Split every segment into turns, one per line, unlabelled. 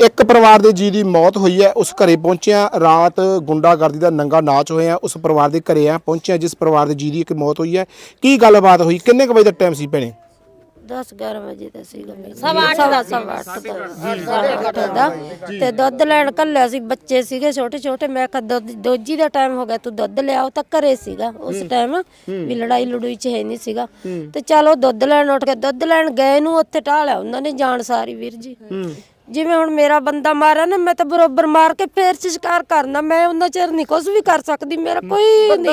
ਇੱਕ ਪਰਿਵਾਰ ਦੇ ਜੀ ਦੀ ਮੌਤ ਹੋਈ ਹੈ। ਉਸ ਘਰੇ ਪਹੁੰਚਿਆ ਰਾਤ ਗੁੰਡਾਗਰਦੀ ਦਾ ਨੰਗਾ ਨਾਚ ਹੋਇਆ। ਉਸ ਪਰਿਵਾਰ ਦੇ ਘਰੇ ਪਹੁੰਚਿਆ ਜਿਸ ਪਰਿਵਾਰ ਦੇ ਜੀ ਦੀ ਇੱਕ ਮੌਤ ਹੋਈ ਹੈ। ਕੀ ਗੱਲਬਾਤ ਹੋਈ, ਕਿੰਨੇ ਕੁ ਵਜੇ ਦਾ ਟਾਈਮ ਸੀ ਭੈਣੇ?
10-11 ਵਜੇ ਦਾ ਸੀਗਾ, ਸਵਾ 8 ਦਾ ਤੇ ਦੁੱਧ ਲੈਣ ਕੱਲਿਆ ਸੀ। ਬੱਚੇ ਸੀਗੇ ਛੋਟੇ ਛੋਟੇ। ਮੈਂ ਕਿਹਾ ਦੋਜੀ ਦਾ ਟਾਈਮ ਹੋ ਗਿਆ, ਤੂੰ ਦੁੱਧ ਲਿਆ। ਉਹ ਤਾਂ ਘਰੇ ਸੀਗਾ ਉਸ ਟਾਈਮ, ਵੀ ਲੜਾਈ ਲੜੂਈ ਚ ਹੈ ਨਹੀਂ ਸੀਗਾ। ਤੇ ਚਲੋ ਦੁੱਧ ਲੈਣ ਉੱਠ ਕੇ ਦੁੱਧ ਲੈਣ ਗਏ ਨੂੰ ਉੱਥੇ ਢਾਲਿਆ ਉਹਨਾਂ ਨੇ ਜਾਣ ਸਾਰੀ ਵੀਰ ਜੀ। ਜਿਵੇਂ ਹੁਣ ਮੇਰਾ ਬੰਦਾ ਮਾਰਿਆ ਨਾ, ਮੈਂ ਤਾਂ ਬਰੋਬਰ ਮਾਰ ਕੇ ਫੇਰ ਸ਼ਿਕਾਰ ਕਰਨਾ। ਮੈਂ ਉਹਨਾਂ ਚਿਰ ਨਹੀਂ ਕੁਝ ਵੀ ਕਰ ਸਕਦੀ, ਮੇਰਾ ਕੋਈ ਨਹੀਂ।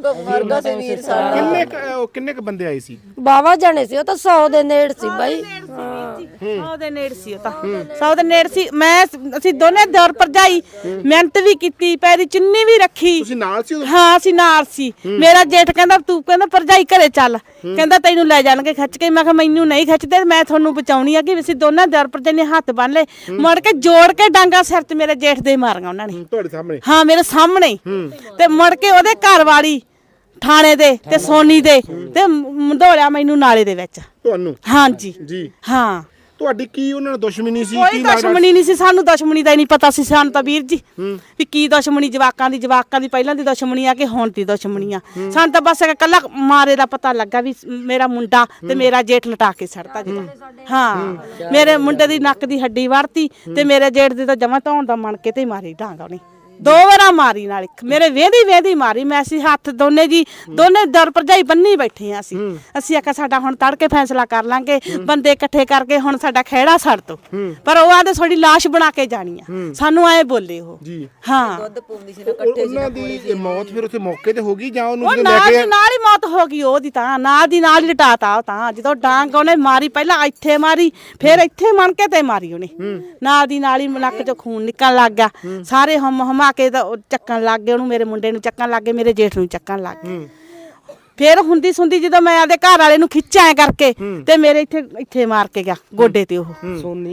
ਕਿੰਨੇ ਕ ਬੰਦੇ ਆਏ ਸੀ?
ਬਾਵਾ ਜਾਣੇ ਸੀ, ਉਹ ਤਾਂ 100 ਦੇ ਨੇੜ ਸੀ ਬਾਈ।
100 ਦੇ ਨੇੜ ਸੀ, ਉਹ ਤਾਂ 100 ਦੇ ਨੇੜ ਸੀ। ਅਸੀਂ ਦੋਨੇ ਦੌਰ ਭਰਜਾਈ ਮਿਹਨਤ ਵੀ ਕੀਤੀ, ਪੈਰੀ ਚੁੰਨੀ ਵੀ ਰੱਖੀ।
ਤੁਸੀਂ ਨਾਲ ਸੀ?
ਹਾਂ ਅਸੀਂ ਨਾਲ ਸੀ। ਮੇਰਾ ਜੇਠ ਕਹਿੰਦਾ ਤੂੰ ਕਹਿੰਦਾ ਭਰਜਾਈ ਘਰੇ ਚੱਲ, ਕਹਿੰਦਾ ਤੈਨੂੰ ਲੈ ਜਾਣਗੇ ਖਿੱਚ ਕੇ। ਮੈਂ ਕਿਹਾ ਮੈਨੂੰ ਨਹੀਂ ਖਿੱਚਦੇ, ਮੈਂ ਤੁਹਾਨੂੰ ਬਚਾਉਣੀ ਆ। ਕਿ ਅਸੀਂ ਦੋਨਾਂ ਦੌਰ ਭਰਜਾਈ ਨੇ ਹੱਥ ਬੰਨ ਲਏ, ਮੁੜ ਕੇ ਜੋੜ ਕੇ ਡਾਂਗਾ ਸਿਰ ਤੇ ਮੇਰੇ ਜੇਠ ਦੇ ਮਾਰੀਆਂ ਉਹਨਾਂ ਨੇ।
ਤੁਹਾਡੇ ਸਾਹਮਣੇ?
ਹਾਂ ਮੇਰੇ ਸਾਹਮਣੇ। ਤੇ ਮੁੜ ਕੇ ਉਹਦੇ ਘਰ ਵਾਲੀ ਥਾਣੇ ਦੇ ਤੇ ਸੋਨੀ ਦੇ ਤੇ ਮੰਧੋਲਿਆ ਮੈਨੂੰ ਨਾਲੇ ਦੇ ਵਿੱਚ।
ਤੁਹਾਨੂੰ?
ਹਾਂਜੀ
ਜੀ।
ਹਾਂ।
ਤੁਹਾਡੀ ਕੀ ਉਹਨਾਂ ਨਾਲ ਦੁਸ਼ਮਣੀ ਸੀ?
ਕੋਈ ਦੁਸ਼ਮਣੀ ਨਹੀਂ ਸੀ, ਸਾਨੂੰ ਦੁਸ਼ਮਣੀ ਦਾ ਹੀ ਨਹੀਂ ਪਤਾ ਸੀ। ਸਾਨੂੰ ਤਾਂ ਵੀਰ ਜੀ ਵੀ ਕੀ ਦੁਸ਼ਮਣੀ, ਜਵਾਕਾਂ ਦੀ ਪਹਿਲਾਂ ਦੀ ਦੁਸ਼ਮਣੀ ਆ ਕਿ ਹੁਣ ਦੀ ਦੁਸ਼ਮਣੀ ਆ। ਸਾਨੂੰ ਤਾਂ ਬਸ ਇਕੱਲਾ ਮਾਰੇ ਦਾ ਪਤਾ ਲੱਗਾ ਵੀ ਮੇਰਾ ਮੁੰਡਾ ਤੇ ਮੇਰਾ ਜੇਠ ਲਟਾ ਕੇ ਛੱਡਤਾ ਜੀ। ਹਾਂ ਮੇਰੇ ਮੁੰਡੇ ਦੀ ਨੱਕ ਦੀ ਹੱਡੀ ਵੜਤੀ ਤੇ ਮੇਰੇ ਜੇਠ ਦੀ ਤਾਂ ਜਮਾਂ ਧੌਣ ਦਾ ਮਣ ਕੇ ਤੇ ਮਾਰੀ ਡਾਂਗਾ ਉਹਨੇ। 2 ਵਾਰਾਂ ਮਾਰੀ, ਨਾਲ ਮੇਰੇ ਵੇਂਦੀ ਮਾਰੀ। ਮੈਂ ਅਸੀਂ ਹੱਥ ਦੋਨੇ ਦਰ ਭਰਜਾਈ ਬੰਨੀ ਬੈਠੇ ਆ। ਅਸੀਂ ਆਖਿਆ ਸਾਡਾ ਹੁਣ ਤੜਕੇ ਫੈਸਲਾ ਕਰ ਲਾਂਗੇ, ਬੰਦੇ ਇਕੱਠੇ ਕਰਕੇ ਹੁਣ ਸਾਡਾ ਖਹਿੜਾ ਛੱਡ ਦੋ। ਪਰ ਉਹ ਆਂਦੇ ਤੁਹਾਡੀ ਲਾਸ਼ ਬਣਾ ਕੇ ਜਾਣੀ ਆ, ਸਾਨੂੰ ਐ ਬੋਲੇ ਉਹ। ਹਾਂ
ਉਹਨਾਂ ਦੀ ਮੌਤ ਫਿਰ ਉੱਥੇ ਮੌਕੇ ਤੇ ਹੋ ਗਈ ਜਾਂ ਉਹਨੂੰ ਲੈ
ਨਾਲ
ਕੇ?
ਨਾਲ ਹੀ ਮੌਤ ਹੋ ਗਈ ਉਹਦੀ, ਤਾਂ ਨਾਲ ਦੀ ਨਾਲ ਹੀ ਲਟਾਤਾ। ਉਹ ਤਾਂ ਜਦੋਂ ਡਾਂਗ ਉਹਨੇ ਮਾਰੀ, ਪਹਿਲਾਂ ਇੱਥੇ ਮਾਰੀ, ਫਿਰ ਇੱਥੇ ਮਣ ਕੇ ਤੇ ਮਾਰੀ ਉਹਨੇ। ਨਾਲ ਦੀ ਨਾਲ ਹੀ ਨੱਕ ਚੋਂ ਖੂਨ ਨਿਕਲਣ ਲੱਗ ਗਿਆ। ਸਾਰੇ ਹਮਾ ਕੇ ਤਾਂ ਚੱਕਣ ਲੱਗ ਗਏ ਉਹਨੂੰ, ਮੇਰੇ ਮੁੰਡੇ ਨੂੰ ਚੱਕਣ ਲੱਗ ਗਏ, ਮੇਰੇ ਜੇਠ ਨੂੰ ਚੱਕਣ ਲੱਗ ਗਏ। ਫਿਰ ਹੁੰਦੀ ਸੁੰਦੀ ਜਦੋਂ ਮੈਂ ਆਪਦੇ ਘਰ ਵਾਲੇ ਨੂੰ ਖਿੱਚਿਆ ਕਰਕੇ ਤੇ ਮੇਰੇ ਇੱਥੇ ਮਾਰ ਕੇ ਗਿਆ ਗੋਡੇ ਤੇ। ਉਹ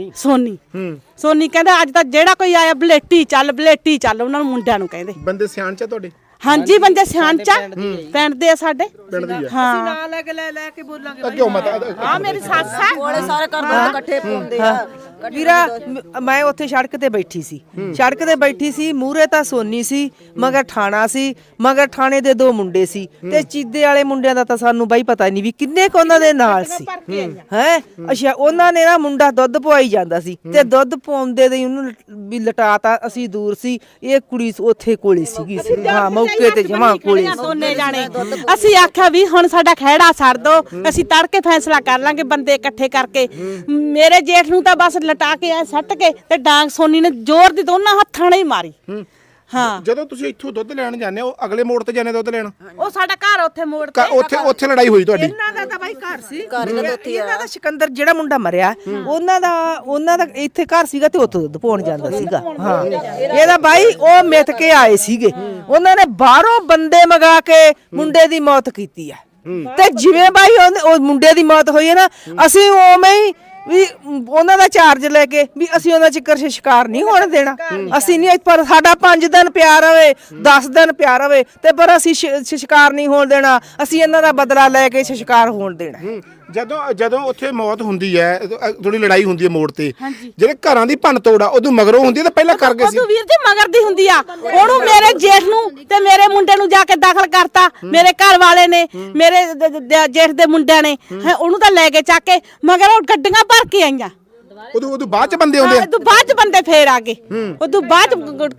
ਸੋਨੀ ਕਹਿੰਦਾ ਅੱਜ ਤਾਂ ਜਿਹੜਾ ਕੋਈ ਆਇਆ ਬਲੇਟੀ ਚੱਲ ਉਹਨਾਂ ਨੂੰ ਮੁੰਡਿਆਂ ਨੂੰ ਕਹਿੰਦੇ।
ਬੰਦੇ ਸਿਆਣ ਚ ਤੁਹਾਡੇ?
ਹਾਂਜੀ ਬੰਦੇ ਸਿਆਣ ਚ ਪਿੰਡ ਦੇ ਆ ਸਾਡੇ।
ਹਾਂ ਨਾਲ ਲੈ ਕੇ ਬੋਲਾਂਗੇ।
ਕਿਉਂ ਮਤ
ਆ ਮੇਰੀ ਸੱਸ ਆ,
ਕੋਲੇ ਸਾਰੇ ਘਰ ਇਕੱਠੇ ਪਾਉਂਦੇ ਆ।
ਵੀਰਾ ਮੈਂ ਉੱਥੇ ਸੜਕ ਤੇ ਬੈਠੀ ਸੀ। ਮੂਹਰੇ ਤਾਂ ਸੋਨੀ ਸੀ, ਮਗਰ ਠਾਣਾ ਸੀ, ਮਗਰ ਠਾਣੇ ਦੇ 2 ਮੁੰਡੇ ਸੀ ਤੇ ਚੀਦੇ ਵਾਲੇ ਮੁੰਡਿਆਂ ਦਾ ਤਾਂ ਸਾਨੂੰ ਬਾਈ ਪਤਾ ਨਹੀਂ ਵੀ ਕਿੰਨੇ ਕੁ ਉਹਨਾਂ ਦੇ ਨਾਲ ਸੀ। ਹੈ ਅੱਛਾ, ਉਹਨਾਂ ਨੇ ਨਾ ਮੁੰਡਾ ਦੁੱਧ ਪਵਾਈ ਜਾਂਦਾ ਸੀ ਤੇ ਦੁੱਧ ਪਾਉਂਦੇ ਦੇ ਉਹਨੂੰ ਵੀ ਲਟਾਤਾ। ਅਸੀਂ ਦੂਰ ਸੀ, ਇਹ ਕੁੜੀ ਉੱਥੇ ਕੋਲੇ ਸੀਗੀ। ਹਾਂ ਮੌਕੇ ਤੇ ਜਮਾ ਕੋਲੇ
ਦੋਨੇ ਜਾਣੇ। ਅਸੀਂ ਆਖਿਆ ਵੀ ਹੁਣ ਸਾਡਾ ਖਹਿੜਾ ਛੱਡ ਦੋ, ਅਸੀਂ ਤੜਕੇ ਫੈਸਲਾ ਕਰ ਲਾਂਗੇ ਬੰਦੇ ਇਕੱਠੇ ਕਰਕੇ। ਮੇਰੇ ਜੇਠ ਨੂੰ ਤਾਂ ਬਸ ਲਟਾ ਕੇ ਐ ਸੱਟ ਕੇ ਤੇ ਡਾਂਗ ਸੋਨੀ ਨੇ ਜ਼ੋਰ ਦੀ ਦੋਨਾਂ ਹੱਥਾਂ ਨਾਲ ਹੀ ਮਾਰੀ। ਹਾਂ
ਜਦੋਂ ਤੁਸੀਂ ਇੱਥੋਂ ਦੁੱਧ ਲੈਣ ਜਾਂਦੇ ਹੋ, ਅਗਲੇ ਮੋੜ ਤੇ ਜਾਂਦੇ ਦੁੱਧ ਲੈਣ?
ਉਹ ਸਾਡਾ ਘਰ ਉੱਥੇ ਮੋੜ ਤੇ।
ਉੱਥੇ ਲੜਾਈ ਹੋਈ ਤੁਹਾਡੀ?
ਇਹਨਾਂ ਦਾ ਤਾਂ ਬਾਈ ਘਰ ਸੀ। ਇਹਨਾਂ ਦਾ ਸਿਕੰਦਰ ਜਿਹੜਾ ਮੁੰਡਾ ਮਰਿਆ, ਉਹਨਾਂ ਦਾ ਇੱਥੇ ਘਰ ਸੀਗਾ ਤੇ ਉੱਥੋਂ ਦੁੱਧ ਪਾਉਣ ਜਾਂਦਾ ਸੀਗਾ। ਹਾਂ ਇਹਦਾ ਬਾਈ ਉਹ ਮਿੱਥ ਕੇ ਆਏ ਸੀਗੇ, ਉਹਨਾਂ ਨੇ ਬਾਹਰੋਂ ਬੰਦੇ ਮੰਗਾ ਕੇ ਮੁੰਡੇ ਦੀ ਮੌਤ ਕੀਤੀ ਆ। ਤੇ ਜਿਵੇਂ ਬਾਈ ਉਹ ਮੁੰਡੇ ਦੀ ਮੌਤ ਹੋਈ ਹੈ ਨਾ, ਅਸੀਂ ਉਵੇਂ ਹੀ ਵੀ ਉਹਨਾਂ ਦਾ ਚਾਰਜ ਲੈ ਕੇ ਵੀ ਅਸੀਂ ਉਹਨਾਂ ਚਿੱਕਰ ਸ਼ਿਕਾਰ ਨਹੀਂ ਹੋਣ ਦੇਣਾ। ਅਸੀਂ ਨਹੀਂ, ਪਰ ਸਾਡਾ 5 ਦਿਨ ਪਿਆਰ ਹੋਵੇ, 10 ਦਿਨ ਪਿਆਰ ਹੋਵੇ ਤੇ ਪਰ ਅਸੀਂ ਸ਼ਿਕਾਰ ਨਹੀਂ ਹੋਣ ਦੇਣਾ। ਅਸੀਂ ਇਹਨਾਂ ਦਾ ਬਦਲਾ ਲੈ ਕੇ ਸ਼ਿਕਾਰ ਹੋਣ ਦੇਣਾ।
ਜਦੋਂ ਉੱਥੇ ਮੌਤ ਹੁੰਦੀ ਹੈ, ਥੋੜੀ ਲੜਾਈ ਹੁੰਦੀ ਹੈ ਮੋੜ ਤੇ, ਜਿਹੜੇ ਘਰਾਂ ਦੀ ਭੰਨ ਤੋੜ ਆ ਉਦੋਂ ਮਗਰੋਂ ਹੁੰਦੀ ਹੈ ਤਾਂ ਪਹਿਲਾਂ ਕਰ ਗਏ ਸੀ?
ਵੀਰ ਜੀ ਮਗਰ ਦੀ ਹੁੰਦੀ ਆ। ਉਹਨੂੰ ਮੇਰੇ ਜੇਠ ਨੂੰ ਤੇ ਮੇਰੇ ਮੁੰਡੇ ਨੂੰ ਜਾ ਕੇ ਦਾਖਲ ਕਰਤਾ ਮੇਰੇ ਘਰ ਵਾਲੇ ਨੇ, ਮੇਰੇ ਜੇਠ ਦੇ ਮੁੰਡਿਆਂ ਨੇ। ਉਹਨੂੰ ਤਾਂ ਲੈ ਕੇ ਚੱਕ ਕੇ, ਮਗਰ ਉਹ ਗੱਡੀਆਂ ਭਰ ਕੇ ਆਈਆਂ।
ਉਦੋਂ ਬਾਅਦ ਚ ਬੰਦੇ ਆਉਂਦੇ?
ਉਦੋਂ ਬਾਅਦ ਚ ਬੰਦੇ ਫੇਰ ਆ ਗਏ। ਉਦੋਂ ਬਾਅਦ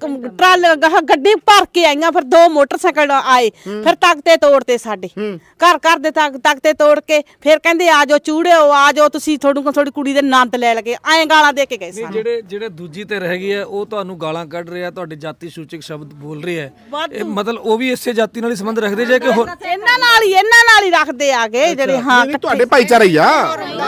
ਗੱਡੀ ਭਰ ਕੇ ਆਈਆਂ। ਫਿਰ 2 ਮੋਟਰਸਾਈਕਲ ਆਏ, ਫਿਰ ਤਖਤੇ ਤੋੜਤੇ ਸਾਡੇ ਘਰ ਦੇ ਤਖਤੇ ਤੋੜ ਕੇ। ਫਿਰ ਕਹਿੰਦੇ ਆ ਜਾਓ ਚੂੜਿਓ, ਆ ਜਾਓ ਤੁਸੀਂ, ਤੁਹਾਡੀ ਕੁੜੀ ਦੇ ਨੰਦ ਲੈ ਲਗੇ। ਐਂ ਗਾਲਾਂ ਦੇ ਕੇ ਗਏ ਸਾਨੂੰ।
ਜਿਹੜੇ ਦੂਜੀ ਤੇ ਰਹਿ ਗਏ ਆ ਉਹ ਤੁਹਾਨੂੰ ਗਾਲਾਂ ਕੱਢ ਰਹੇ ਆ, ਤੁਹਾਡੇ ਜਾਤੀ ਸੂਚਕ ਸ਼ਬਦ ਬੋਲ ਰਹੇ ਆ। ਇਹ ਮਤਲਬ ਉਹ ਵੀ ਇਸੇ ਜਾਤੀ ਨਾਲ ਹੀ ਸੰਬੰਧ ਰੱਖਦੇ ਜੇ ਕਿ ਹੋਰ?
ਇਹਨਾਂ ਨਾਲ ਹੀ ਰੱਖਦੇ ਆਗੇ ਜਿਹੜੇ। ਹਾਂ
ਤੁਹਾਡੇ ਭਾਈਚਾਰਾ ਹੀ ਆ?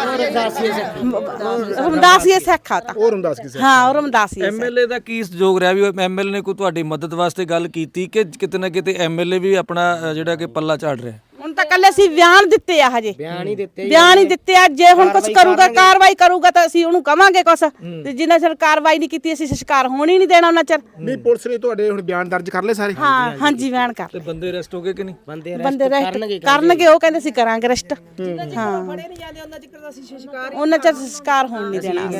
ਰਮਦਾਸੀਏ ਸਿੱਖ ਆ ਤਾਂ।
ਉਹ ਰਮਦਾਸ ਕਿਸੇ?
ਹਾਂ ਉਹ ਰਮਦਾਸੀਏ।
ਐਮਐਲਏ ਦਾ ਕੀ ਸਹਿਯੋਗ ਰਿਹਾ ਵੀ ਐਮਐਲਏ ਨੇ ਕੋਈ ਤੁਹਾਡੀ ਮਦਦ ਵਾਸਤੇ ਗੱਲ ਕੀਤੀ ਕਿ ਕਿਤੇ ਨਾ ਕਿਤੇ ਐਮਐਲਏ ਵੀ ਆਪਣਾ ਜਿਹੜਾ ਕਿ ਪੱਲਾ ਝਾੜ ਰਿਹਾ?
ਹੁਣ ਤਾਂ ਕੱਲੇ ਅਸੀਂ ਬਿਆਨ ਦਿੱਤੇ ਆ ਹਜੇ ਬਿਆਨ ਹੀ ਦਿੱਤੇ ਆ ਜੇ ਹੁਣ ਕੁਝ ਕਰੂਗਾ ਕਾਰਵਾਈ ਕਰੂਗਾ ਤਾਂ ਅਸੀਂ ਉਹਨੂੰ ਕਵਾਂਗੇ ਕੁਛ ਤੇ ਜਿੰਨਾ ਚਿਰ ਕਾਰਵਾਈ ਨਹੀਂ ਕੀਤੀ ਅਸੀਂ ਸੰਸਕਾਰ ਹੋਣ ਹੀ ਨਹੀਂ ਦੇਣਾ ਉਹਨਾਂ ਚਿਰ
ਨਹੀਂ ਪੁਲਿਸ ਨੇ ਤੁਹਾਡੇ ਹੁਣ ਬਿਆਨ ਦਰਜ ਕਰ ਲਏ ਸਾਰੇ
ਹਾਂ ਹਾਂਜੀ ਬਿਆਨ ਕਰ
ਤੇ ਬੰਦੇ ਅਰੈਸਟ ਹੋ ਗਏ ਕਿ ਨਹੀਂ?
ਬੰਦੇ ਰੈਸਟ ਕਰਨਗੇ ਉਹ ਕਹਿੰਦੇ ਸੀ ਕਰਾਂਗੇ ਰੈਸਟ ਹਾਂ ਉਹਨਾਂ ਚਿਰ ਸੰਸਕਾਰ ਹੋਣ ਨਹੀਂ ਦੇਣਾ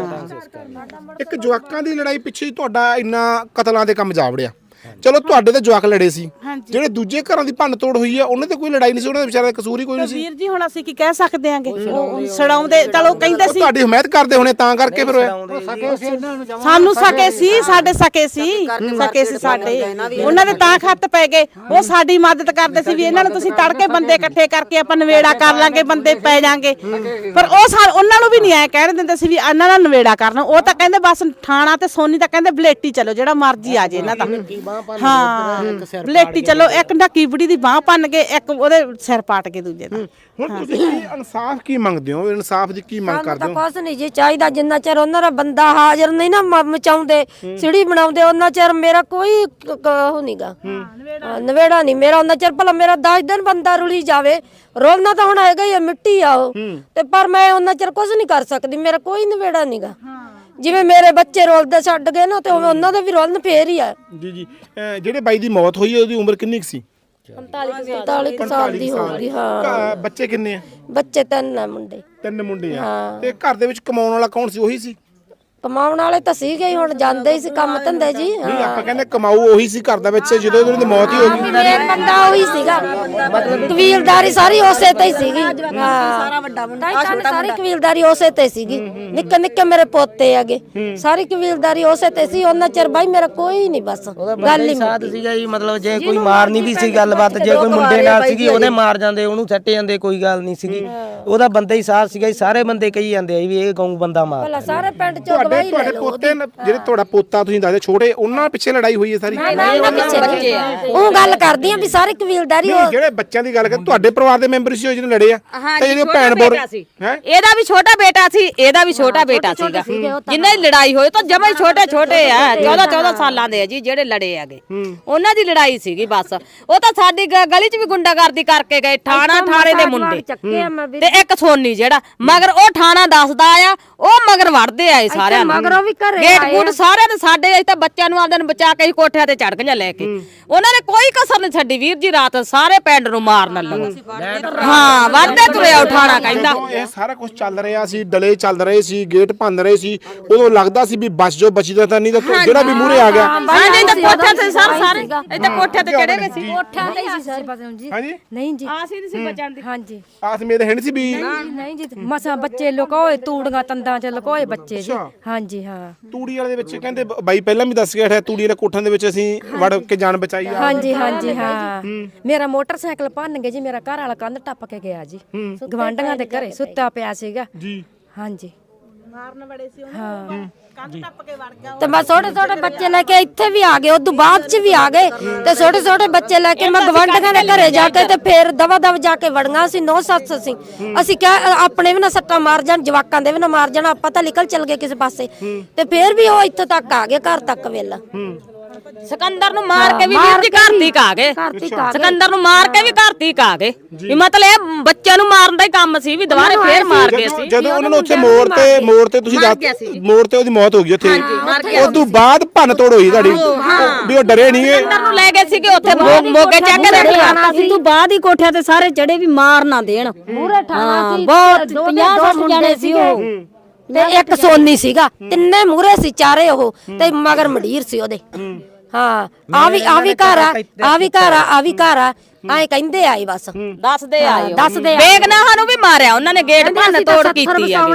ਹਾਂ
ਇੱਕ ਜਵਾਕਾਂ ਦੀ ਲੜਾਈ ਪਿੱਛੇ ਤੁਹਾਡਾ ਇੰਨਾ ਕਤਲਾਂ ਦੇ ਕੰਮ ਜਾ ਵੜਿਆ ਚਲੋ ਤੁਹਾਡੇ ਤੇ ਜਵਾਕ ਲੜੇ ਸੀ ਜਿਹੜੇ ਦੂਜੇ ਘਰਾਂ ਦੀ ਭੰਨ ਤੋੜ ਹੋਈ ਆ ਉਹਨਾਂ ਤੇ ਕੋਈ ਲੜਾਈ ਨਹੀਂ ਸੀ ਉਹਨਾਂ ਦੇ ਵਿਚਾਰਿਆਂ ਦਾ ਕਸੂਰ ਹੀ ਕੋਈ ਨਹੀਂ ਸੀ
ਵੀਰ ਜੀ ਹੁਣ ਅਸੀਂ ਕੀ ਕਹਿ ਸਕਦੇ ਆਂਗੇ ਉਹ ਛਡਾਉਂਦੇ ਚਲੋ ਕਹਿੰਦੇ ਸੀ
ਤੁਹਾਡੀ ਹਮਾਇਤ ਕਰਦੇ ਹੋਣੇ ਤਾਂ ਕਰਕੇ ਫਿਰ ਹੋਇਆ
ਸਾਨੂੰ ਸਕੇ ਸੀ ਸਾਡੇ ਸਕੇ ਸੀ ਸਾਡੇ ਉਹਨਾਂ ਦੇ ਤਾਂ ਖੱਤ ਪੈ ਗਏ ਉਹ ਸਾਡੀ ਮਦਦ ਕਰਦੇ ਸੀ ਵੀ ਇਹਨਾਂ ਨੂੰ ਤੁਸੀਂ ਤੜਕੇ ਬੰਦੇ ਇਕੱਠੇ ਕਰਕੇ ਆਪਾਂ ਨਵੇੜਾ ਕਰ ਲਾਂਗੇ ਬੰਦੇ ਪੈ ਜਾਾਂਗੇ ਪਰ ਉਹ ਉਹਨਾਂ ਨੂੰ ਵੀ ਨਹੀਂ ਆਏ ਕਹਿਣ ਦਿੰਦੇ ਸੀ ਵੀ ਇਹਨਾਂ ਦਾ ਨਵੇੜਾ ਕਰਨਾ ਉਹ ਤਾਂ ਕਹਿੰਦੇ ਬਸ ਥਾਣਾ ਤੇ ਸੋਨੀ ਤਾਂ ਕਹਿੰਦੇ ਬਲੇਟੀ ਚਲੋ ਜਿਹੜਾ ਮਰਜ਼ੀ ਆ ਜੇ ਇਹਨਾਂ ਦਾ ਹਾਂ ਬਲੇਟੀ ਚਲੋ ਇੱਕ ਨੱਕੀ ਬੁੜੀ ਦੀ ਬਾਹ ਭੰਨ ਕੇ ਇੱਕ ਉਹਦੇ ਸਿਰ ਪਾਟ ਕੇ ਦੂਜੇ ਦਾ
ਹੁਣ ਤੁਸੀਂ ਇਨਸਾਫ ਕੀ ਮੰਗਦੇ ਹੋ ਇਨਸਾਫ ਦੀ ਕੀ ਮੰਗ ਕਰਦੇ
ਤਾਂ
ਹੋ
ਕੁਛ ਨਹੀਂ ਜੀ ਚਾਹੀਦਾ ਜਿੰਨਾ ਚਿਰ ਉਹਨਾਂ ਦਾ ਬੰਦਾ ਹਾਜ਼ਰ ਨਹੀਂ ਨਾ ਮਚਾਉਂਦੇ ਸਿੜੀ ਬਣਾਉਂਦੇ ਉਹਨਾਂ ਚਿਰ ਮੇਰਾ ਕੋਈ ਉਹ ਨਹੀਂਗਾ ਨਵੇੜਾ ਨਹੀਂ ਮੇਰਾ ਉਹਨਾਂ ਚਿਰ ਭਲਾ ਮੇਰਾ 10 ਦਿਨ ਬੰਦਾ ਰੁਲੀ ਜਾਵੇ ਰੋਲਣਾ ਤਾਂ ਹੁਣ ਹੈਗਾ ਹੀ ਆ ਮਿੱਟੀ ਆ ਉਹ ਤੇ ਪਰ ਮੈਂ ਉਹਨਾਂ ਚਿਰ ਕੁਝ ਨਹੀਂ ਕਰ ਸਕਦੀ ਮੇਰਾ ਕੋਈ ਨਵੇੜਾ ਨਹੀਂਗਾ ਜਿਵੇਂ ਮੇਰੇ ਬੱਚੇ ਰੋਲਦੇ ਛੱਡ ਗਏ ਨਾ ਤੇ ਉਵੇਂ ਉਹਨਾਂ ਦੇ ਵੀ ਰੋਲਣ ਫੇਰ ਹੀ ਆ
ਜੀ ਜਿਹੜੇ ਬਾਈ ਦੀ ਮੌਤ ਹੋਈ ਉਹਦੀ ਉਮਰ ਕਿੰਨੀ ਸੀ
45 ਸਾਲ ਦੀ ਹੋ ਗਈ ਹਾਂ
ਬੱਚੇ ਕਿੰਨੇ ਆ
ਬੱਚੇ 3 ਮੁੰਡੇ
3 ਮੁੰਡੇ ਆ ਤੇ ਘਰ ਦੇ ਵਿੱਚ ਕਮਾਉਣ ਵਾਲਾ ਕੌਣ ਸੀ ਉਹੀ ਸੀ
ਕਮਾਉਣ ਵਾਲੇ ਤਾਂ ਸੀਗੇ ਹੀ ਹੁਣ ਜਾਂਦੇ ਹੀ ਸੀ ਕੰਮ ਧੰਦੇ ਜੀ
ਨਹੀਂ ਆਪਾਂ ਕਹਿੰਦੇ ਕਮਾਊ ਉਹੀ ਸੀ ਘਰ ਦੇ ਵਿੱਚ ਜਦੋਂ ਉਹਨਾਂ ਦੀ ਮੌਤ ਹੀ ਹੋ ਗਈ
ਮੇਨ ਬੰਦਾ ਉਹੀ ਸੀਗਾ ਕਬੀਲਦਾਰੀ ਸਾਰੀ ਉਸੇ ਤੇ ਹੀ ਸੀਗੀ ਸਾਰਾ ਵੱਡਾ ਮੁੰਡਾ ਸਾਰੀ ਕਬੀਲਦਾਰੀ ਉਸੇ ਤੇ ਸੀਗੀ ਨਿੱਕੇ ਨਿੱਕੇ ਮੇਰੇ ਪੋਤੇ ਹੈਗੇ ਸਾਰੀ ਕਬੀਲਦਾਰੀ ਉਸੇ ਤੇ ਸੀ ਉਹਨਾਂ ਚਿਰ ਬਾਈ ਮੇਰਾ ਕੋਈ ਨਹੀਂ ਬਸ ਗੱਲ ਹੀ
ਸਾਥ ਸੀਗਾ ਜੀ ਮਤਲਬ ਜੇ ਕੋਈ ਮਾਰਨੀ ਵੀ ਸੀ ਗੱਲਬਾਤ ਜੇ ਕੋਈ ਮੁੰਡੇ ਨਾਲ ਸੀਗੀ ਉਹਦੇ ਮਾਰ ਜਾਂਦੇ ਉਹਨੂੰ ਸੱਟ ਜਾਂਦੇ ਕੋਈ ਗੱਲ ਨਹੀਂ ਸੀਗੀ ਉਹਦਾ ਬੰਦਾ ਹੀ ਸਾਥ ਸੀਗਾ ਜੀ ਸਾਰੇ ਬੰਦੇ ਕਹੀ ਜਾਂਦੇ ਆ ਵੀ ਇਹ ਗਊ ਬੰਦਾ ਮਾਰ
ਪਹਿਲਾਂ ਸਾਰੇ ਪਿੰਡ ਚੋਂ
ਤੁਹਾਡੇ ਪੋਤੇ ਜਿਹੜੇ ਤੁਹਾਡਾ ਪੋਤਾ ਤੁਸੀਂ ਦੱਸਦੇ ਛੋਟੇ ਉਹਨਾਂ ਪਿੱਛੇ ਲੜਾਈ ਹੋਈ ਹੈ ਸਾਰੀ
ਉਹ ਗੱਲ ਕਰਦੀ ਆ ਵੀ ਸਾਰੀ ਕਬੀਲਦਾਰੀ
ਜਿਹੜੇ ਬੱਚਿਆਂ ਦੀ ਗੱਲ ਕਰ ਤੁਹਾਡੇ ਪਰਿਵਾਰ ਦੇ ਮੈਂਬਰ ਸੀ ਜਿਹਨੇ ਲੜੇ ਆ ਤੇ ਜਿਹੜੇ ਭੈਣ ਬੋਰ
ਇਹਦਾ ਵੀ ਛੋਟਾ ਬੇਟਾ ਸੀ ਇਹਦਾ ਵੀ ਛੋਟਾ ਬੇਟਾ ਸੀਗਾ ਜਿੰਨਾਂ ਦੀ ਲੜਾਈ ਹੋਈ ਤਾਂ ਜਮਾਂ ਹੀ ਛੋਟੇ ਆ 14 ਸਾਲਾਂ ਦੇ ਆ ਜੀ ਜਿਹੜੇ ਲੜੇ ਆਗੇ ਉਹਨਾਂ ਦੀ ਲੜਾਈ ਸੀਗੀ ਬਸ ਉਹ ਤਾਂ ਸਾਡੀ ਗਲੀ 'ਚ ਵੀ ਗੁੰਡਾਗਰਦੀ ਕਰਕੇ ਗਏ ਥਾਣੇ ਦੇ ਮੁੰਡੇ ਤੇ ਇੱਕ ਸੋਨੀ ਜਿਹੜਾ ਮਗਰ ਉਹ ਥਾਣਾ ਦੱਸਦਾ ਆ ਉਹ ਮਗਰ ਵੜਦੇ ਆਏ ਸਾਰਿਆਂ ਨੂੰ ਗੇਟ ਗੂਟ ਸਾਰਿਆਂ ਦੇ ਸਾਡੇ ਅਸੀਂ ਤਾਂ ਬੱਚਿਆਂ ਨੂੰ ਆਪਦੇ ਨੂੰ ਬਚਾ ਕੇ ਹੀ ਕੋਠਿਆਂ ਤੇ ਚੜ ਗਈਆਂ ਲੈ ਕੇ ਉਹਨਾਂ ਨੇ ਕੋਈ ਕਸਰ ਨਹੀਂ ਛੱਡੀ ਵੀਰ ਜੀ ਰਾਤ ਸਾਰੇ ਪਿੰਡ ਨੂੰ ਮਾਰਨ ਲੱਗਾ ਹਾਂ ਵੱਧਦੇ ਤੁਰਿਆ ਉਠਾਣਾ ਕਹਿੰਦਾ
ਇਹ ਸਾਰਾ ਕੁਝ ਚੱਲ ਰਿਹਾ ਸੀ ਡਲੇ ਚੱਲ ਰਹੇ ਸੀ ਗੇਟ ਭੰਨ ਰਹੇ ਸੀ ਉਦੋਂ ਲੱਗਦਾ ਸੀ ਵੀ ਬਚ ਜੋ ਬਚੀ ਤਾਂ ਨਹੀਂ ਤਾਂ ਜਿਹੜਾ ਵੀ ਮੂਹਰੇ ਆ ਗਿਆ
ਹਾਂਜੀ ਤਾਂ ਕੋਠਿਆਂ ਤੇ ਸਾਰੇ ਇੱਥੇ ਕੋਠਿਆਂ ਤੇ ਚੜੇ ਗਏ ਸੀ
ਕੋਠਿਆਂ ਤੇ ਸੀ ਸਰ ਜੀ
ਹਾਂਜੀ
ਨਹੀਂ ਜੀ
ਆਸ ਹੀ ਨਹੀਂ ਸੀ ਬਚਣ ਦੀ
ਹਾਂਜੀ
ਆਸ ਮੇਰੇ ਹੈ ਨਹੀਂ ਸੀ ਵੀ
ਨਹੀਂ ਜੀ ਮਸਾਂ ਬੱਚੇ ਲੁਕੋਏ ਤੂੜੀਆਂ ਤੰਦਾਂ 'ਚ ਲੁਕੋਏ ਬੱਚੇ ਜੀ ਹਾਂਜੀ ਹਾਂ
ਤੂੜੀ ਵਾਲੇ ਦੇ ਵਿੱਚ ਕਹਿੰਦੇ ਬਾਈ ਪਹਿਲਾਂ ਵੀ ਦੱਸ ਗਿਆ ਹੈ ਤੂੜੀ ਵਾਲੇ ਕੋਠਾਂ ਦੇ ਵਿੱਚ ਅਸੀਂ ਵੜ ਕੇ ਜਾਨ ਬਚਾਈ ਆ
ਹਾਂਜੀ ਹਾਂ ਮੇਰਾ ਮੋਟਰਸਾਈਕਲ ਭੰਨ ਗਏ ਜੀ ਮੇਰਾ ਘਰ ਵਾਲਾ ਕੰਧ ਟੱਪ ਕੇ ਗਿਆ ਜੀ ਗਵਾਂਢੀਆਂ ਦੇ ਘਰੇ ਸੁੱਤਾ ਪਿਆ ਸੀਗਾ
ਜੀ
ਹਾਂਜੀ
ਮਾਰਨ ਬੜੇ ਸੀ ਉਹਨੂੰ ਕੰਧ ਟੱਪ ਕੇ ਵੜ ਗਿਆ
ਤੇ ਮੈਂ ਛੋਟੇ ਬੱਚੇ ਲੈ ਕੇ ਇੱਥੇ ਵੀ ਆ ਗਏ ਉਦੋਂ ਬਾਅਦ ਚ ਵੀ ਆ ਗਏ ਤੇ ਛੋਟੇ ਬੱਚੇ ਲੈ ਕੇ ਮੈਂ ਗਵਾਂਢੀਆਂ ਦੇ ਘਰੇ ਜਾ ਕੇ ਤੇ ਫੇਰ ਦਵਾ ਜਾ ਕੇ ਵੜੀਆਂ ਸੀ 9 ਸੱਸ ਅਸੀਂ ਕਿਹਾ ਆਪਣੇ ਵੀ ਨਾ ਸੱਟਾਂ ਮਾਰ ਜਾਣ ਜਵਾਕਾਂ ਦੇ ਵੀ ਨਾ ਮਾਰ ਜਾਣ ਆਪਾਂ ਤਾਂ ਨਿਕਲ ਚੱਲ ਗਏ ਕਿਸੇ ਪਾਸੇ ਤੇ ਫੇਰ ਵੀ ਉਹ ਇੱਥੇ ਤੱਕ ਆ ਗਏ ਘਰ ਤੱਕ ਵੇਲਾ
ਸਿਕੰਦਰ ਨੂੰ ਮਾਰ ਕੇ ਵੀ ਵੀਰ ਜੀ ਘਰ ਦੀ ਕਾ ਗਏ ਸਿਕੰਦਰ ਨੂੰ ਮਾਰ ਕੇ ਵੀ ਘਰ ਦੀ ਕਾ ਗਏ ਵੀ ਮਤਲਬ ਇਹ ਬੱਚਿਆਂ ਨੂੰ ਮਾਰਨ ਦਾ ਹੀ ਕੰਮ ਸੀ ਵੀ ਦੁਬਾਰੇ ਫੇਰ ਮਾਰ ਗਏ ਸੀ
ਜਦੋਂ ਉਹਨਾਂ ਨੂੰ ਉੱਥੇ ਮੋੜ ਤੇ ਤੁਸੀਂ ਮੋੜ ਤੇ ਉਹਦੀ ਮੌਤ ਹੋ ਗਈ ਉੱਥੇ ਉਸ ਤੋਂ ਬਾਅਦ ਭੰਨ ਤੋੜ ਹੋਈ ਤੁਹਾਡੀ ਵੀ ਉਹ ਡਰੇ ਨਹੀਂ
ਸਿਕੰਦਰ ਨੂੰ ਲੈ ਗਏ ਸੀਗੇ ਉੱਥੇ ਮੋਗੇ ਚੱਕ ਕੇ ਰੱਖਿਆ
ਸੀ ਤੂੰ ਬਾਅਦ ਹੀ ਕੋਠਿਆਂ ਤੇ ਸਾਰੇ ਚੜੇ ਵੀ ਮਾਰ ਨਾ ਦੇਣ
ਮੂਰੇ ਠਾਣਾ ਸੀ
ਬਹੁਤ 50-60 ਜਣੇ ਸੀ ਉਹ
ਤੇ ਇੱਕ ਸੋਨੀ ਸੀਗਾ ਤਿੰਨੇ ਮੂਰੇ ਸੀ ਚਾਰੇ ਉਹ ਤੇ ਮਗਰ ਮੰਡੀਰ ਸੀ ਉਹਦੇ ਹਾਂ ਆ ਵੀ ਘਰ ਆ ਐ ਕਹਿੰਦੇ ਆਏ ਬਸ
ਦੱਸਦੇ ਆਏ
ਦੱਸਦੇ
ਬੇਗਨਾਹਾਂ ਨੂੰ ਵੀ ਮਾਰਿਆ ਉਹਨਾਂ ਨੇ ਗੇਟ ਭੰਨ ਤੋੜ ਕੀਤੀ ਆ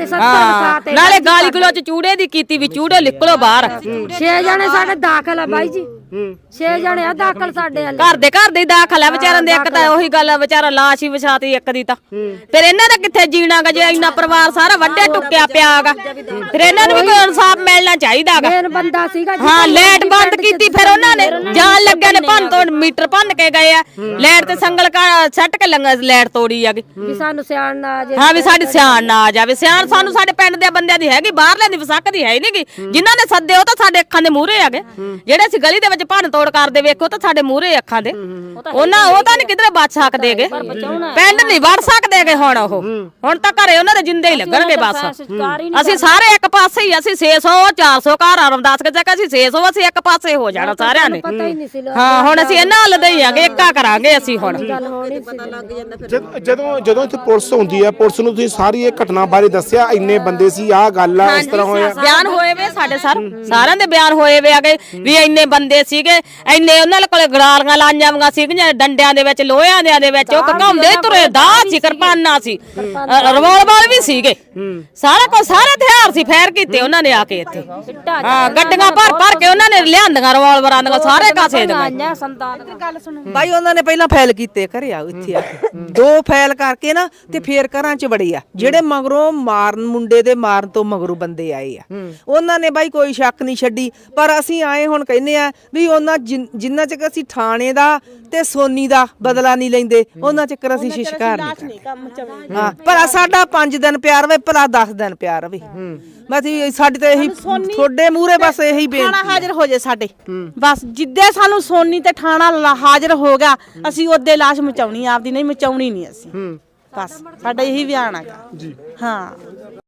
ਨਾਲੇ ਗਾਲੀ ਗਲੋਚ ਚੂੜੇ ਦੀ ਕੀਤੀ ਵੀ ਚੂੜੇ ਨਿਕਲੋ ਬਾਹਰ
6 ਜਣੇ ਸਾਡੇ ਦਾਖਲ ਆ ਬਾਈ ਜੀ 6 ਜਣੇ ਆ ਦਾਖਲ ਸਾਡੇ ਵਾਲੇ
ਘਰ ਦੇ ਹੀ ਦਾਖਲ ਆ ਵਿਚਾਰਾਂ ਦੇ ਇੱਕ ਤਾਂ ਉਹੀ ਗੱਲ ਆ ਵਿਚਾਰਾ ਲਾਸ਼ ਹੀ ਵਿਛਾਤੀ ਇੱਕ ਦੀ ਤਾਂ ਫਿਰ ਇਹਨਾਂ ਦਾ ਕਿੱਥੇ ਜੀਣਾਗਾ ਜੇ ਇੰਨਾ ਪਰਿਵਾਰ ਸਾਰਾ ਵੱਡੇ ਟੁੱਕਿਆ ਪਿਆਗਾ ਫਿਰ ਇਹਨਾਂ ਨੂੰ ਵੀ ਕੋਈ ਇਨਸਾਫ ਮਿਲਣਾ ਚਾਹੀਦਾਗਾ
ਮੇਨ ਬੰਦਾ ਸੀਗਾ
ਹਾਂ ਲਾਈਟ ਬੰਦ ਕੀਤੀ ਫਿਰ ਉਹਨਾਂ ਨੇ ਜਾਣ ਲੱਗਿਆ ਨੇ ਭੰਨ ਤੋੜ ਮੀਟਰ ਭੰਨ ਕੇ ਗਏ ਆ ਲਾਈਟ ਤੇ ਸੰਗਲ ਸੱਟ ਕੇ ਲਾਈਟ ਤੋੜੀ ਆਗੀ
ਵੀ ਸਾਨੂੰ ਸਿਆਣ ਨਾ ਆ ਜਾਵੇ
ਹਾਂ ਵੀ ਸਾਡੀ ਸਿਆਣ ਨਾ ਆ ਜਾਵੇ ਸਿਆਣ ਸਾਨੂੰ ਸਾਡੇ ਪਿੰਡ ਦੇ ਬੰਦਿਆਂ ਦੀ ਹੈਗੀ ਬਾਹਰਲਿਆਂ ਦੀ ਵਸਕ ਦੀ ਹੈ ਹੀ ਨਹੀਂਗੀ ਜਿਨ੍ਹਾਂ ਨੇ ਸੱਦੇ ਉਹ ਤਾਂ ਸਾਡੇ ਅੱਖਾਂ ਦੇ ਮੂਹਰੇ ਆਗੇ ਜਿਹੜੇ ਅਸੀਂ ਗਲੀ ਦੇ 'ਚ ਭੰਨ ਤੋੜ ਕਰਦੇ ਵੇਖੋ ਤਾਂ ਸਾਡੇ ਮੂਹਰੇ ਅੱਖਾਂ ਦੇ ਉਹਨਾਂ ਉਹ ਤਾਂ ਨਹੀਂ ਕਿਧਰੇ ਬਚ ਸਕਦੇਗੇ ਪਿੰਡ ਨਹੀਂ ਵੜ ਸਕਦੇਗੇ ਹੁਣ ਤਾਂ ਘਰੇ ਉਹਨਾਂ ਦੇ ਜਿੰਦੇ ਹੀ ਲੱਗਣਗੇ ਬਸ ਅਸੀਂ ਸਾਰੇ ਇੱਕ ਪਾਸੇ ਹੀ ਅਸੀਂ 600 400 ਘਰ ਰਮਦਾਸ ਕੇ ਜਗ੍ਹਾ ਅਸੀਂ 600 ਅਸੀਂ ਇੱਕ ਪਾਸੇ ਹੋ ਜਾਣਾ ਸਾਰਿਆਂ ਨੇ ਹਾਂ ਹੁਣ ਅਸੀਂ ਇਹਨਾਂ ਹੱਲ ਦੇ ਹੀ ਆਗੇ ਇੱਕਾ ਕਰਾਂਗੇ ਅਸੀਂ ਹੁਣ
ਜਦੋਂ ਇੱਥੇ ਪੁਲਿਸ ਹੁੰਦੀ ਹੈ ਪੁਲਿਸ ਨੂੰ ਤੁਸੀਂ ਸਾਰੀ ਇਹ ਘਟਨਾ ਬਾਰੇ ਦੱਸਿਆ ਇੰਨੇ ਬੰਦੇ ਸੀ ਆਹ ਗੱਲ ਆ ਇਸ ਤਰ੍ਹਾਂ ਹੋਇਆ
ਬਿਆਨ ਹੋਏ ਵੇ ਸਾਡੇ ਸਾਰਿਆਂ ਦੇ ਬਿਆਨ ਹੋਏ ਵੇ ਆਗੇ ਵੀ ਇੰਨੇ ਬੰਦੇ ਸੀਗੇ ਇੰਨੇ ਉਹਨਾਂ ਕੋਲੇ ਗੜਾਲੀਆਂ ਲਾਈਆਂ ਵੀਆਂ ਸੀਗੀਆਂ ਡੰਡਿਆਂ ਦੇ ਵਿੱਚ ਲੋਹਿਆਂ ਦੇ ਵਿੱਚ ਉਹ ਘਕਾਉਂਦੇ ਤੁਰੇ ਦਾਅ ਸੀ ਕਿਰਪਾਨਾਂ ਸੀ ਰਿਵਾਲਵਰ ਵੀ ਸੀਗੇ ਸਾਰਾ ਕੁਝ ਸਾਰੇ ਹਥਿਆਰ ਸੀ ਫੈਰ ਕੀਤੇ ਉਹਨਾਂ ਨੇ ਆ ਕੇ ਇੱਥੇ ਹਾਂ ਗੱਡੀਆਂ ਭਰ ਕੇ ਉਹਨਾਂ ਨੇ ਲਿਆਂਦੀਆਂ ਰਿਵਾਲਵਰਾਂ ਦੀਆਂ ਸਾਰੇ ਕਾਸੇ ਦੀਆਂ
ਬਾਈ ਉਹਨਾਂ ਨੇ ਪਹਿਲਾਂ ਫਾਈਲ ਕੀਤੇ ਘਰੇ ਆ ਇੱਥੇ ਆ ਕੇ 2 ਫਾਈਲ ਕਰਕੇ ਨਾ ਤੇ ਫੇਰ ਘਰਾਂ 'ਚ ਵੜੇ ਆ ਜਿਹੜੇ ਮਗਰੋਂ ਮਾਰਨ ਮੁੰਡੇ ਦੇ ਮਾਰਨ ਤੋਂ ਮਗਰੋਂ ਬੰਦੇ ਆਏ ਆ ਉਹਨਾਂ ਨੇ ਬਾਈ ਕੋਈ ਸ਼ੱਕ ਨਹੀਂ ਛੱਡੀ ਪਰ ਅਸੀਂ ਆਏ ਹੁਣ ਕਹਿੰਦੇ ਆ ਵੀ ਉਹਨਾਂ ਜਿੰਨਾ ਚਿਰ ਅਸੀਂ ਥਾਣੇ ਦਾ ਤੇ ਸੋਨੀ ਦਾ ਬਦਲਾ ਨਹੀਂ ਲੈਂਦੇ ਉਹਨਾਂ ਚਿਰ ਅਸੀਂ ਸ਼ਿਕਾਰ ਨਹੀਂ ਕਰਦੇ ਹਾਂ ਪਰ ਸਾਡਾ 5 ਦਿਨ ਪਿਆਰ ਵੇ ਭਲਾ 10 ਦਿਨ ਪਿਆਰ ਵੇ ਅਸੀਂ ਸਾਡੀ ਤਾਂ ਇਹੀ ਤੁਹਾਡੇ ਮੂਹਰੇ ਬਸ ਇਹੀ ਬੇਨਤੀ
ਥਾਣਾ ਹਾਜ਼ਰ ਹੋ ਜੇ ਸਾਡੇ ਬਸ ਜਿੱਦੇ ਸਾਨੂੰ ਸੋਨੀ ਤੇ ਥਾਣਾ ਹਾਜ਼ਰ ਹੋ ਗਿਆ ਅਸੀਂ ਉਹਦੇ ਲਾਸ਼ ਮਚਾਉਣੀ ਆਪਦੀ ਨਹੀਂ ਮਚਾਉਣੀ ਨਹੀਂ ਅਸੀਂ ਬਸ ਸਾਡਾ ਇਹੀ ਬਿਆਨ ਹੈਗਾ ਜੀ ਹਾਂ।